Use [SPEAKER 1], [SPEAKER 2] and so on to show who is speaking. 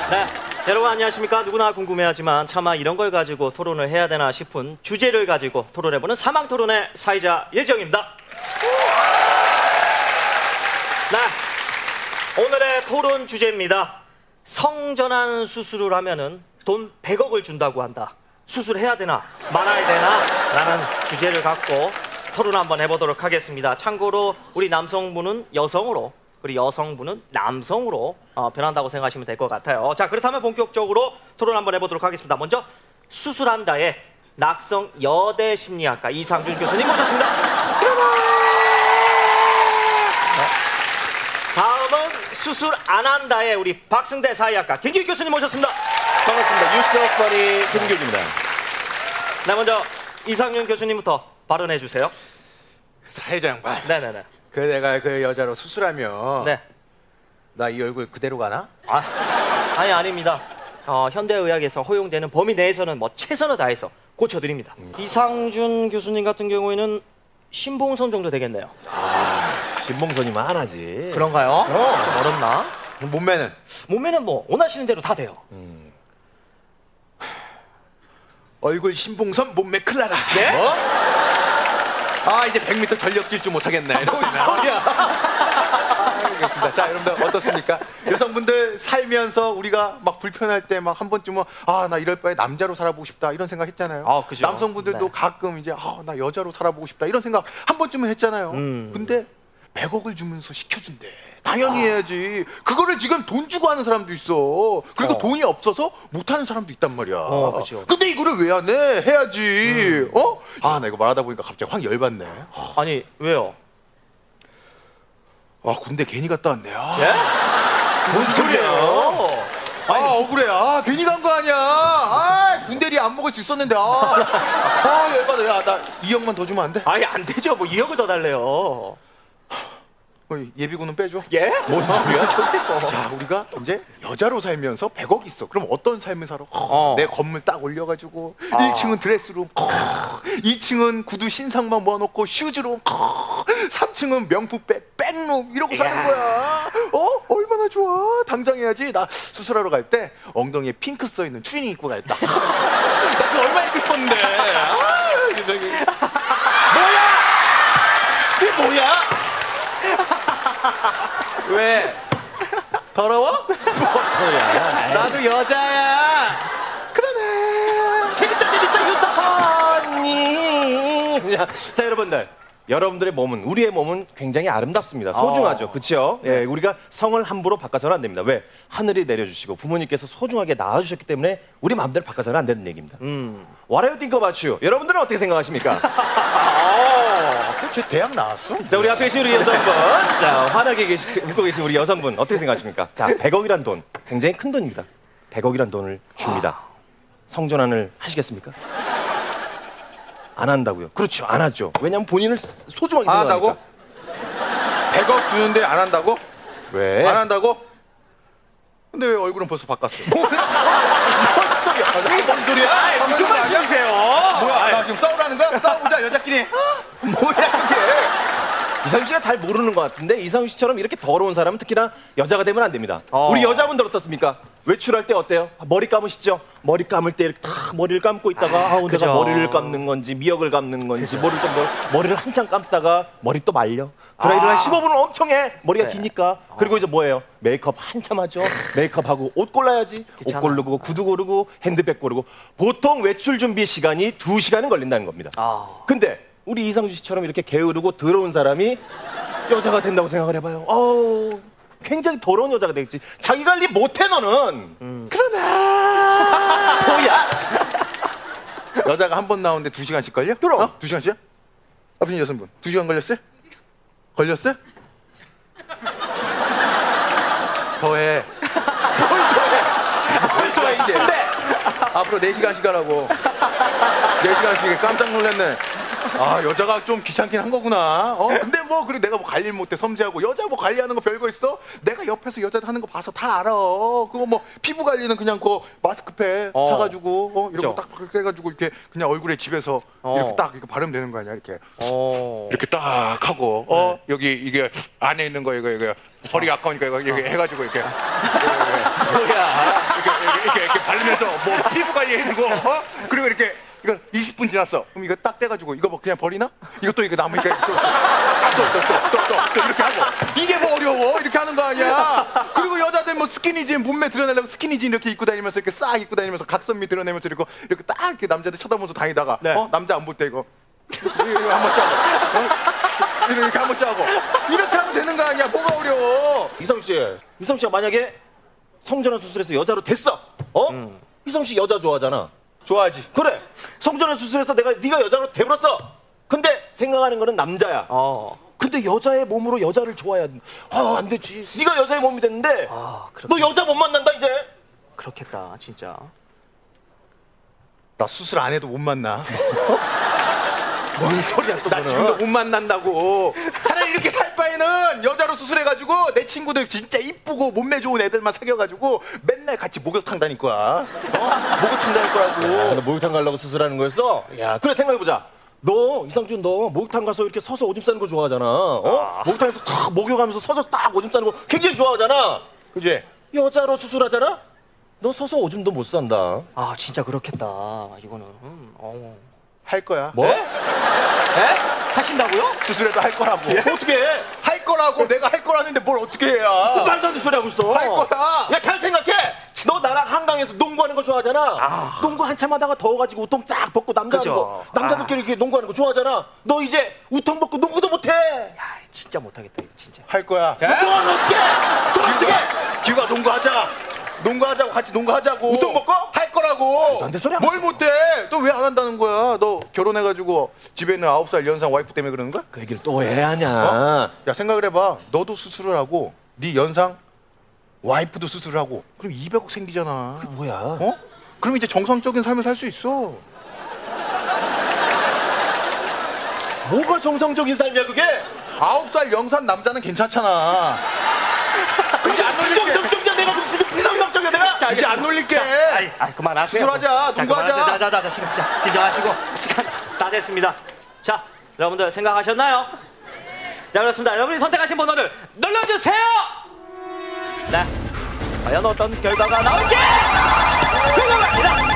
[SPEAKER 1] 네, 여러분 안녕하십니까? 누구나 궁금해하지만 차마 이런 걸 가지고 토론을 해야 되나 싶은 주제를 가지고 토론해보는 사망토론의 사회자 예정입니다. 네, 오늘의 토론 주제입니다. 성전환 수술을 하면은 돈 100억을 준다고 한다. 수술해야 되나 말아야 되나 라는 주제를 갖고 토론 한번 해보도록 하겠습니다. 참고로 우리 남성분은 여성으로 그리고 여성분은 남성으로 변한다고 생각하시면 될 것 같아요. 자, 그렇다면 본격적으로 토론 한번 해보도록 하겠습니다. 먼저 수술한다의 낙성 여대 심리학과 이상준 교수님 모셨습니다. 다음은 수술 안 한다의 우리 박승대 사회학과 김규 교수님 모셨습니다.
[SPEAKER 2] 반갑습니다. 뉴스업거리 김규입니다.
[SPEAKER 1] 네, 먼저 이상준 교수님부터 발언해 주세요.
[SPEAKER 3] 사회자 양반.
[SPEAKER 1] 네네네.
[SPEAKER 3] 그 내가 그 여자로 수술하면
[SPEAKER 1] 네.
[SPEAKER 3] 나 이 얼굴 그대로 가나?
[SPEAKER 1] 아니 아닙니다. 현대의학에서 허용되는 범위 내에서는 뭐 최선을 다해서 고쳐드립니다. 이상준 교수님 같은 경우에는 신봉선 정도 되겠네요.
[SPEAKER 2] 진봉선이면 하나지.
[SPEAKER 1] 그런가요? 좀 어렵나?
[SPEAKER 3] 몸매는?
[SPEAKER 1] 몸매는 뭐 원하시는 대로 다 돼요.
[SPEAKER 3] 얼굴 신봉선, 몸매 클라라.
[SPEAKER 1] 네?
[SPEAKER 2] 뭐?
[SPEAKER 3] 아 이제 100m 전력 질주 못하겠네.
[SPEAKER 1] 뭔 소리야?
[SPEAKER 3] 알겠습니다. 자 여러분들 어떻습니까? 여성분들 살면서 우리가 막 불편할 때 막 한 번쯤은 아 나 이럴 바에 남자로 살아보고 싶다 이런 생각 했잖아요.
[SPEAKER 1] 그죠.
[SPEAKER 3] 남성분들도
[SPEAKER 1] 네.
[SPEAKER 3] 가끔 이제 나 여자로 살아보고 싶다 이런 생각 한 번쯤은 했잖아요. 근데 100억을 주면서 시켜준대. 당연히 해야지. 그거를 지금 돈 주고 하는 사람도 있어. 그리고 돈이 없어서 못하는 사람도 있단 말이야.
[SPEAKER 1] 그죠.
[SPEAKER 3] 근데 이거를 왜 안 해? 해야지. 나 이거 말하다 보니까 갑자기 확 열받네.
[SPEAKER 1] 아니 왜요?
[SPEAKER 3] 군대 괜히 갔다 왔네요.
[SPEAKER 1] 예? 뭔 소리예요?
[SPEAKER 3] 억울해. 괜히 간 거 아니야. 군대리 안 먹을 수 있었는데. 열받아. 야, 나 2억만 더 주면 안 돼?
[SPEAKER 1] 아니 안 되죠. 뭐 2억을 더 달래요.
[SPEAKER 3] 예비군은 빼줘.
[SPEAKER 1] 예?
[SPEAKER 3] 뭔 소리야? 자, 우리가 이제 여자로 살면서 100억 있어. 그럼 어떤 삶을 살아? 내 건물 딱 올려가지고 1층은 드레스룸, 2층은 구두 신상만 모아놓고 슈즈룸, 3층은 명품백, 백룸 이러고 사는 거야. 얼마나 좋아. 당장 해야지. 나 수술하러 갈 때 엉덩이에 핑크 써있는 추리닝 입고 가야겠다. 나 그거 얼마나 입고 싶었는데. 뭐야? 그게 뭐야? 왜? 더러워?
[SPEAKER 2] 뭔 소리야?
[SPEAKER 3] 나도 여자야. 그러네.
[SPEAKER 2] 재밌다 유사파니. 자 여러분들. 여러분들의 몸은 우리의 몸은 굉장히 아름답습니다. 소중하죠. 그렇죠? 예, 우리가 성을 함부로 바꿔서는 안 됩니다. 왜? 하늘이 내려주시고 부모님께서 소중하게 낳아주셨기 때문에 우리 마음대로 바꿔서는 안 되는 얘기입니다. What do you think about you? 여러분들은 어떻게 생각하십니까?
[SPEAKER 3] 쟤 대학 나왔어?
[SPEAKER 2] 자, 우리 앞에 계신 우리 여성분. 자, 환하게 웃고 계신 우리 여성분 어떻게 생각하십니까? 자, 100억이란 돈 굉장히 큰 돈입니다. 100억이란 돈을 줍니다. 성전환을 하시겠습니까? 안 한다고요. 그렇죠. 안 하죠. 왜냐면 본인을 소중하게
[SPEAKER 3] 안
[SPEAKER 2] 생각하니까.
[SPEAKER 3] 한다고? 100억 주는데 안 한다고?
[SPEAKER 2] 왜?
[SPEAKER 3] 안 한다고? 근데 왜 얼굴은 벌써 바꿨어? 뭔 소리야?
[SPEAKER 1] 무슨 말씀이세요?
[SPEAKER 3] 뭐야? 나 지금 싸우라는 거야? 싸우자 여자끼리. 뭐야 이게?
[SPEAKER 2] 이상준 씨가 잘 모르는 것 같은데 이상준 씨처럼 이렇게 더러운 사람은 특히나 여자가 되면 안 됩니다. 우리 여자분들 어떻습니까? 외출할 때 어때요? 머리 감으시죠? 머리 감을 때 이렇게 탁 머리를 감고 있다가
[SPEAKER 1] 그죠.
[SPEAKER 2] 내가 머리를 감는 건지 미역을 감는 건지 머리를 한참 감다가 머리 또 말려. 드라이를 한 15분을 엄청 해. 머리가 기니까. 그리고 이제 뭐예요? 메이크업 한참 하죠. 메이크업하고 옷 골라야지.
[SPEAKER 1] 귀찮아.
[SPEAKER 2] 옷 고르고 구두 고르고 핸드백 고르고 보통 외출 준비 시간이 2시간은 걸린다는 겁니다. 근데 우리 이상준 씨처럼 이렇게 게으르고 더러운 사람이 여자가 된다고 생각을 해봐요. 굉장히 더러운 여자가 되겠지. 자기 관리 못해 너는. 그러나 뭐야?
[SPEAKER 3] 여자가 한 번 나오는데 2시간씩 걸려?
[SPEAKER 2] 그럼.
[SPEAKER 3] 2시간씩이야? 아버님 여성분 2시간 걸렸어요? 걸렸어요? 더해. 뭘 더해 이제. 앞으로 4시간씩 하라고. 4시간씩 깜짝 놀랐네. 아 여자가 좀 귀찮긴 한 거구나. 근데 뭐 그래 내가 뭐 관리 못해 섬세하고 여자 뭐 관리하는 거 별거 있어? 내가 옆에서 여자들 하는 거 봐서 다 알아. 그거 뭐 피부 관리는 그냥 그 마스크팩 사가지고 이런 거 딱 해가지고 이렇게 그냥 얼굴에 집에서 이렇게 딱 이렇게 바르면 되는 거 아니야 이렇게. 이렇게 딱 하고 여기 이게 안에 있는 거 이거 허리 아까우니까 이거 이렇게 해가지고 이렇게
[SPEAKER 1] 뭐야?
[SPEAKER 3] 이렇게 바르면서 뭐 피부 관리해주고 그리고 이렇게 이거 20분 지났어. 그럼 이거 딱 떼가지고 이거 뭐 그냥 버리나? 이것도 이거 남으니까 또 이렇게 하고 이게 뭐 어려워? 이렇게 하는 거 아니야? 그리고 여자들 뭐 스키니진 몸매 드러내려고 스키니진 이렇게 입고 다니면서 이렇게 싹 입고 다니면서 각선미 드러내면서 이렇게 딱 이렇게 남자들 쳐다보면서 다니다가 남자 안 볼 때 이거 한 번씩 하고 이렇게 한 번씩 하고 이렇게 하면 되는 거 아니야? 뭐가 어려워?
[SPEAKER 2] 이성 씨가 만약에 성전환 수술해서 여자로 됐어. 이성 씨 여자 좋아하잖아.
[SPEAKER 3] 좋아하지.
[SPEAKER 2] 그래. 성전환 수술해서 네가 여자로 돼버렸어. 근데 생각하는 거는 남자야. 근데 여자의 몸으로 여자를 좋아해야 안 되지. 네가 여자의 몸이 됐는데 너 여자 못 만난다 이제.
[SPEAKER 1] 그렇겠다 진짜.
[SPEAKER 3] 나 수술 안 해도 못 만나.
[SPEAKER 2] 뭔 소리야 또
[SPEAKER 3] 나 지금도 못 만난다고. 차라리 이렇게 살 바에는 여자로 수술해가지고 내 친구들 진짜 이쁘고 몸매 좋은 애들만 사귀어가지고 맨날 같이 목욕탕 다닐 거야. 목욕탕 다닐 거라고.
[SPEAKER 2] 너 목욕탕 가려고 수술하는 거였어? 야, 그래 생각해보자. 너 이상준 너 목욕탕 가서 이렇게 서서 오줌 싸는 거 좋아하잖아. 목욕탕에서 딱 목욕하면서 서서 딱 오줌 싸는 거 굉장히 좋아하잖아.
[SPEAKER 3] 그지?
[SPEAKER 2] 여자로 수술하잖아? 너 서서 오줌도 못 싼다.
[SPEAKER 1] 아 진짜 그렇겠다. 이거는.
[SPEAKER 3] 할 거야.
[SPEAKER 2] 뭐?
[SPEAKER 1] 에? 하신다고요?
[SPEAKER 3] 수술해도 할 거라고.
[SPEAKER 2] 어떻게 해?
[SPEAKER 3] 할 거라고. 내가 할 거라는데 뭘 어떻게 해야?
[SPEAKER 2] 말도 안 되는 소리 하고 있어.
[SPEAKER 3] 할 거야.
[SPEAKER 2] 야, 잘 생각해. 너 나랑 한강에서 농구하는 거 좋아하잖아. 농구 한참 하다가 더워가지고 우통 쫙 벗고 남자들끼리 이렇게 농구하는 거 좋아하잖아. 너 이제 우통 벗고 농구도 못해.
[SPEAKER 1] 야 진짜 못하겠다 이거 진짜.
[SPEAKER 3] 할 거야.
[SPEAKER 2] 넌 어떻게?
[SPEAKER 3] 기우가 농구하자. 농구하자고 같이 농구하자고.
[SPEAKER 2] 우통 벗고?
[SPEAKER 3] 할 거라고.
[SPEAKER 2] 안 돼, 소리 하고
[SPEAKER 3] 뭘
[SPEAKER 2] 있어.
[SPEAKER 3] 못해? 너 왜 안 한다는 거야? 너 결혼해가지고 집에 있는 9살 연상 와이프 때문에 그러는 거야?
[SPEAKER 2] 그 얘기를 또 왜 하냐?
[SPEAKER 3] 야 생각을 해봐. 너도 수술을 하고 네 연상 와이프도 수술을 하고 그럼 200억 생기잖아.
[SPEAKER 2] 뭐야?
[SPEAKER 3] 그럼 이제 정상적인 삶을 살 수 있어.
[SPEAKER 2] 뭐가 정상적인 삶이야 그게?
[SPEAKER 3] 9살 연상 남자는 괜찮잖아. 이제 안 놀릴게.
[SPEAKER 2] 비정상적이야 내가 그럼 지금 비정상적이야 내가?
[SPEAKER 1] 자,
[SPEAKER 3] 이제 안 놀릴게.
[SPEAKER 1] 그만하세요.
[SPEAKER 3] 수술하자. 농구하자.
[SPEAKER 1] 자, 시간 진정하시고 시간 다 됐습니다. 자, 여러분들 생각하셨나요? 자, 그렇습니다. 여러분이 선택하신 번호를 눌러주세요. 네, 과연 어떤 결과가 나올지 궁금합니다.